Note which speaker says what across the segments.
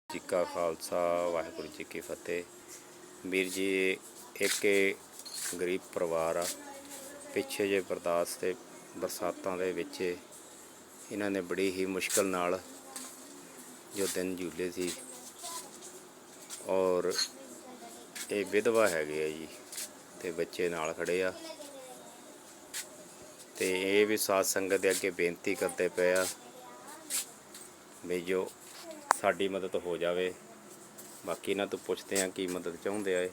Speaker 1: ਜੀ ਕਾ ਖਾਲਸਾ ਵਾਹਿਗੁਰੂ ਜੀ ਕੀ ਫਤਿਹ। ਵੀਰ ਜੀ ਇੱਕ ਗਰੀਬ ਪਰਿਵਾਰ ਆ। ਪਿੱਛੇ ਜੇ ਬਰਸਾਤਾਂ ਦੇ ਵਿੱਚ ਇਹਨਾਂ ਨੇ ਬੜੀ ਹੀ ਮੁਸ਼ਕਲ ਨਾਲ ਜੋ ਦਿਨ ਜੂਲੇ ਸੀ, ਔਰ ਇਹ ਵਿਧਵਾ ਹੈਗੇ ਆ ਜੀ, ਤੇ ਬੱਚੇ ਨਾਲ ਖੜੇ ਆ, ਤੇ ਇਹ ਵੀ ਸਾਧ ਸੰਗਤ ਦੇ ਅੱਗੇ ਬੇਨਤੀ ਕਰਦੇ ਪਏ ਆ ਵੀ ਜੋ ਸਾਡੀ ਮਦਦ ਹੋ ਜਾਵੇ। ਬਾਕੀ ਇਹਨਾਂ ਤੋਂ ਪੁੱਛਦੇ ਆ ਕੀ ਮਦਦ ਚਾਹੁੰਦੇ ਆ।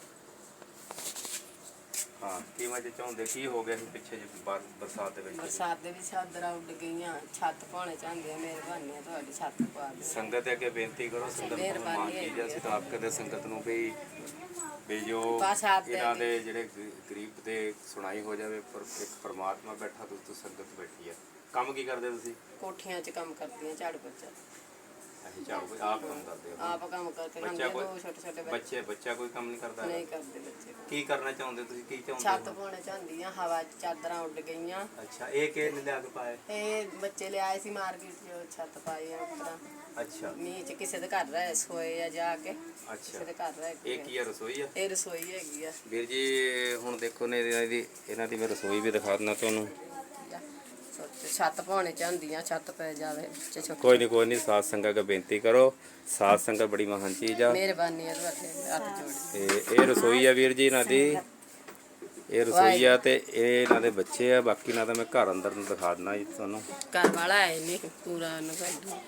Speaker 1: ਹਾਂ, ਕੀ ਮਦਦ ਚਾਹੁੰਦੇ? ਕੀ ਹੋ ਗਿਆ ਸੀ ਪਿੱਛੇ ਜੇ ਬਰਸਾਤ ਦੇ ਵਿੱਚ?
Speaker 2: ਚਾਦਰਾਂ ਉੱਡ ਗਈਆਂ, ਛੱਤ ਪਾਉਣੇ ਚਾਹੁੰਦੇ ਆ। ਮਿਹਰਬਾਨੀ ਹੈ ਤੁਹਾਡੀ, ਛੱਤ ਪਾ ਦਿਓ।
Speaker 1: ਸੰਗਤ ਦੇ ਅੱਗੇ ਬੇਨਤੀ ਕਰੋ, ਸੰਗਤ ਨੂੰ ਮਾਨ ਕੀਤੀ। ਅਸੀਂ ਤਾਂ ਆਪ ਕਦੇ ਸੰਗਤ ਨੂੰ ਵੀ ਜੋ ਇਹਨਾਂ ਦੇ ਜਿਹੜੇ ਗਰੀਬ ਦੇ ਸੁਣਾਈ ਹੋ ਜਾਵੇ। ਪਰ ਇੱਕ ਪਰਮਾਤਮਾ ਬੈਠਾ, ਤੂੰ ਸੰਗਤ ਬੈਠੀ ਆ। ਕੰਮ ਕੀ ਕਰਦੇ ਤੁਸੀਂ?
Speaker 2: ਕੋਠੀਆਂ 'ਚ ਕੰਮ ਕਰਦੀਆਂ, ਝਾੜੂ ਪੋਚਾ।
Speaker 1: ਝਾੜੂ ਆਪ ਕੰਮ ਕਰਦੇ ਹੋ?
Speaker 2: ਆਪ ਕੰਮ ਕਰਕੇ ਲਾਉਂਦੇ। ਦੋ ਛੋਟੇ ਛੋਟੇ
Speaker 1: ਬੱਚਾ ਕੋਈ ਕੰਮ ਨਹੀਂ ਕਰਦਾ?
Speaker 2: ਨਹੀਂ ਕਰਦੇ ਬੱਚੇ।
Speaker 1: ਕੀ ਕਰਨਾ ਚਾਹੁੰਦੇ ਤੁਸੀਂ? ਕੀ ਚਾਹੁੰਦੇ?
Speaker 2: ਛੱਤ ਪਾਉਣੇ ਚਾਹੁੰਦੀਆਂ, ਹਵਾ 'ਚ ਚਾਦਰਾਂ ਉੱਡ ਗਈਆਂ।
Speaker 1: ਅੱਛਾ, ਇਹ ਕਿਹਨੇ ਲਿਆ ਕੇ ਪਾਏ?
Speaker 2: ਇਹ ਬੱਚੇ ਲਿਆਏ ਸੀ ਮਾਰਕੀਟ 'ਚ, ਛੱਤ ਪਾਈ ਆ ਉੱਪਰ।
Speaker 1: ਅੱਛਾ,
Speaker 2: ਮੀਂਹ 'ਚ ਕਿਸੇ ਦੇ ਘਰ ਰਹੇ ਸੋਏ ਆ ਜਾ ਕੇ।
Speaker 1: ਅੱਛਾ,
Speaker 2: ਕਿਸੇ ਦੇ ਘਰ ਰਹੇ।
Speaker 1: ਇਹ ਕੀ ਆ? ਰਸੋਈ ਆ?
Speaker 2: ਇਹ ਰਸੋਈ ਹੈਗੀ ਆ
Speaker 1: ਵੀਰ ਜੀ। ਹੁਣ ਦੇਖੋ ਨੇ ਇਹਨਾਂ ਦੀ ਮੈਂ ਰਸੋਈ ਵੀ ਦਿਖਾ ਦਿੰਦਾ ਤੁਹਾਨੂੰ।
Speaker 2: ਛੱਤ ਪਾਉਣੇ ਚਾਹੁੰਦੀਆਂ, ਛੱਤ ਪੈ ਜਾਵੇ।
Speaker 1: ਕੋਈ ਨਹੀਂ ਸਾਧ ਸੰਗਤ ਅੱਗੇ ਬੇਨਤੀ ਕਰੋ। ਸਾਧ ਸੰਗਤ ਬੜੀ ਮਹਾਨ ਚੀਜ਼ ਆ।
Speaker 2: ਮਿਹਰਬਾਨੀ ਹੈ ਤੁਹਾਡੇ, ਹੱਥ ਜੋੜ।
Speaker 1: ਤੇ ਇਹ ਰਸੋਈ ਆ ਵੀਰ ਜੀ ਇਹਨਾਂ ਦੀ, ਇਹ ਰਸੋਈ ਆ, ਤੇ ਇਹ ਇਹਨਾਂ ਦੇ ਬੱਚੇ ਆ। ਬਾਕੀ ਇਹਨਾਂ ਦਾ ਮੈਂ ਘਰ ਅੰਦਰ ਨੂੰ ਦਿਖਾ ਦਿੰਦਾ ਜੀ ਤੁਹਾਨੂੰ।
Speaker 2: ਘਰ ਵਾਲਾ ਹੈ ਨਹੀਂ ਪੂਰਾ ਉਹਨੂੰ ਕੱਢ।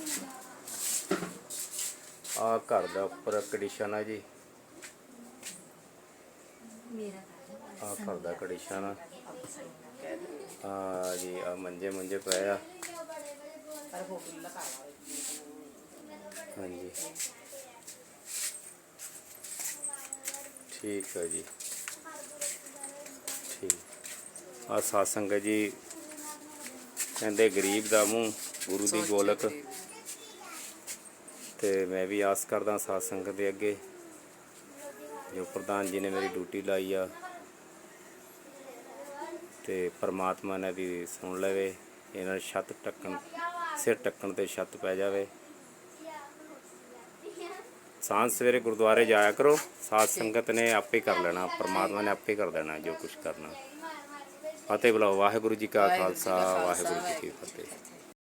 Speaker 1: ਆ ਘਰ ਦਾ ਉੱਪਰ ਕੰਡੀਸ਼ਨ ਆ ਜੀ। ਆ ਘਰ ਦਾ ਕੰਡੀਸ਼ਨ ਆ। ਆ ਜੀ, ਆ ਮੰਜੇ ਪਏ ਆ। ਹਾਂਜੀ, ਠੀਕ ਹੈ ਜੀ, ਠੀਕ। ਆ ਸਾਧ ਸੰਗਤ ਜੀ ਕਹਿੰਦੇ ਗਰੀਬ ਦਾ ਮੂੰਹ ਗੁਰੂ ਦੀ ਗੋਲਕ। ਤੇ ਮੈਂ ਵੀ ਆਸ ਕਰਦਾ ਸਾਧ ਸੰਗਤ ਦੇ ਅੱਗੇ, ਜੋ ਪ੍ਰਧਾਨ ਜੀ ਨੇ ਮੇਰੀ ਡਿਊਟੀ ਲਾਈ ਆ, ਤੇ ਪਰਮਾਤਮਾ ਨੇ ਵੀ ਸੁਣ ਲਵੇ। ਇਹਨਾਂ ਨੂੰ ਛੱਤ ਢੱਕਣ, ਸਿਰ ਢੱਕਣ ਤੇ ਛੱਤ ਪੈ ਜਾਵੇ। ਸਾਂਝ ਸਵੇਰੇ ਗੁਰਦੁਆਰੇ ਜਾਇਆ ਕਰੋ। ਸਾਧ ਸੰਗਤ ਨੇ ਆਪੇ ਕਰ ਲੈਣਾ, ਪਰਮਾਤਮਾ ਨੇ ਆਪੇ ਕਰ ਦੇਣਾ ਜੋ ਕੁਝ ਕਰਨਾ। ਫਤਿਹ ਬੁਲਾਓ। ਵਾਹਿਗੁਰੂ ਜੀ ਕਾ ਖਾਲਸਾ, ਵਾਹਿਗੁਰੂ ਜੀ ਕੀ ਫਤਿਹ।